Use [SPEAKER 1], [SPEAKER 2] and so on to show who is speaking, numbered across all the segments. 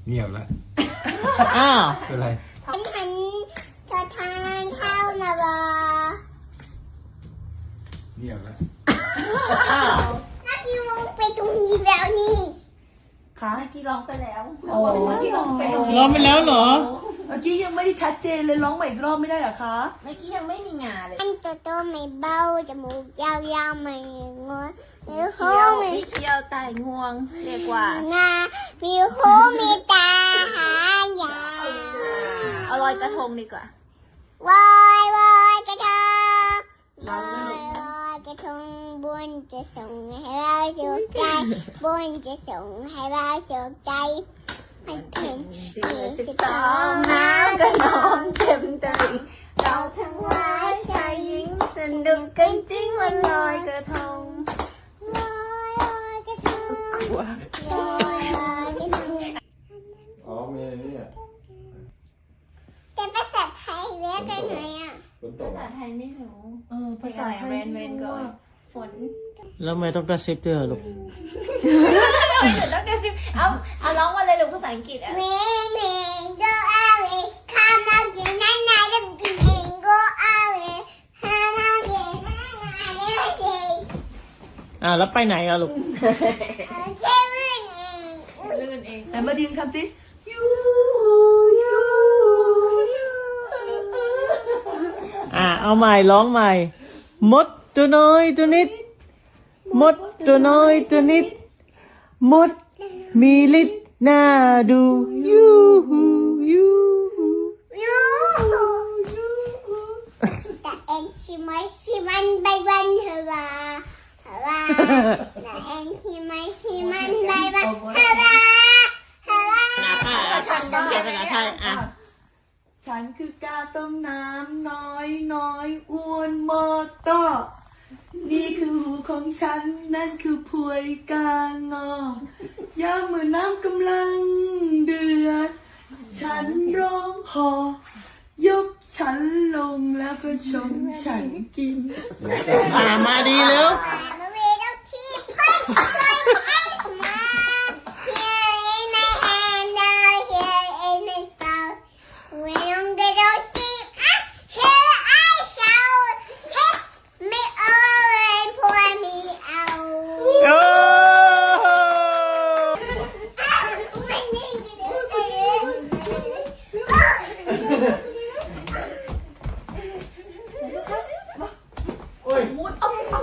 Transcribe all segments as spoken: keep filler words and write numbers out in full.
[SPEAKER 1] เงียบแล้ว
[SPEAKER 2] อ้าว
[SPEAKER 1] เป็นไร
[SPEAKER 3] ฉันหันจะทานข้าวนะบอ
[SPEAKER 1] เงียบแล้ว
[SPEAKER 2] อ้าว
[SPEAKER 3] นักกีฬาไปตรงนี้แล้วนี่
[SPEAKER 4] ค่ะเมื่อกี้ร้องไปแล้ว
[SPEAKER 5] โอ้เมื่อกี้ร้องไป
[SPEAKER 2] ร้องไปแล้วเหรอ
[SPEAKER 5] เมื่อกี้ยังไม่ได้ชัดเจนเลยร้องใหม่อีกรอบไม่ได้เหรอคะ
[SPEAKER 4] เมื่อกี้ยังไม่มีงาเลย
[SPEAKER 3] อันโตโตไม่เบาจมูกยาวๆไม่งอมีโค้งมี
[SPEAKER 4] เที่ยวตายงวงเรียกว่าง
[SPEAKER 3] ามีโค้งมีตาหายาว
[SPEAKER 4] เอาลอยกระทงดีกว่าว
[SPEAKER 3] ายวายกระทงวายวายกระทงบุญจะส่งให้เราสุขใจบุญจะส่งให้เราสุขใจให้ถึง
[SPEAKER 4] สิบสองน้ำกระนองเต็มตลิ่งเราทั้งว่าชายหญิงสนุกกันจริงวันลอยกระทง
[SPEAKER 3] วายวายกระทงวายวายกระทง
[SPEAKER 1] อ๋อมีนี่อ่ะ
[SPEAKER 3] แต่ภาษาไทยเรียกกันไหนอ่ะ
[SPEAKER 1] ฝนต
[SPEAKER 4] ภาก ษาไทยไม่รู้
[SPEAKER 5] เออภาษาไทย
[SPEAKER 4] เรนเรนก็ฝน
[SPEAKER 2] แล้วไม่ต้องกระซิบด้วยเหรอลูก
[SPEAKER 4] ไม่ถึงต้องกระซิบเอาเอาร้องมาเลยหรือภาษาอังกฤษอ่ะ
[SPEAKER 3] เมย์เมย์โกอาเวข้ามาเกินนั่นนายจะกินเองโกอาเวข้ามาเกินนั่นนายจะกิน
[SPEAKER 2] อ่าแล้วไปไหนอะลูก
[SPEAKER 3] เชื่อเรื่องเอง
[SPEAKER 4] ลื่นเอง
[SPEAKER 5] ไหนมาดินคำสิยูยูยู
[SPEAKER 2] อ่าเอาใหม่ร้องใหม่มดตัวน้อยตัวนิดมดตัวน้อยตัวนิดมดมีฤทธิ์น่าดูยูฮูยูฮู
[SPEAKER 3] ยูแต่เอ็นชิมายชิมันใบวันเฮวาเฮวาแต่เอ็นชิมายชิมันใบวันเฮวาเฮวา
[SPEAKER 2] ฉันก็เขียนภาษาไทยอ่ะ
[SPEAKER 5] ฉันคือกาต้มน้ำน้อยน้อยอ้วนมอตอนี่คือหูของฉันนั่นคือพวยกางอยามเมื่อน้ำกำลังเดือดฉันร้องหอยกฉันลงแล้วก็ชมฉันกิน
[SPEAKER 2] อ่ามาดีแล้ว
[SPEAKER 3] มาเวลที่พัดช่วยเอ็กซ์มา Here in my hand now here in my soul when I'm gonna see ah here I shall take me over and pour me out
[SPEAKER 2] โอ้
[SPEAKER 3] ไม่นิ่งเลย
[SPEAKER 1] โอ้ย
[SPEAKER 5] มุดเอาเอา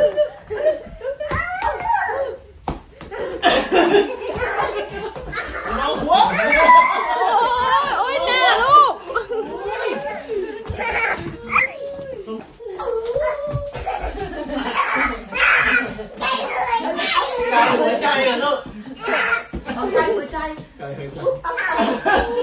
[SPEAKER 2] เอาหัวโอ้ยหน้าลูกกายหัวใจอะลูก
[SPEAKER 5] เอาใจหัวใจ
[SPEAKER 1] ไกลเฮ้ย
[SPEAKER 5] เอาใจ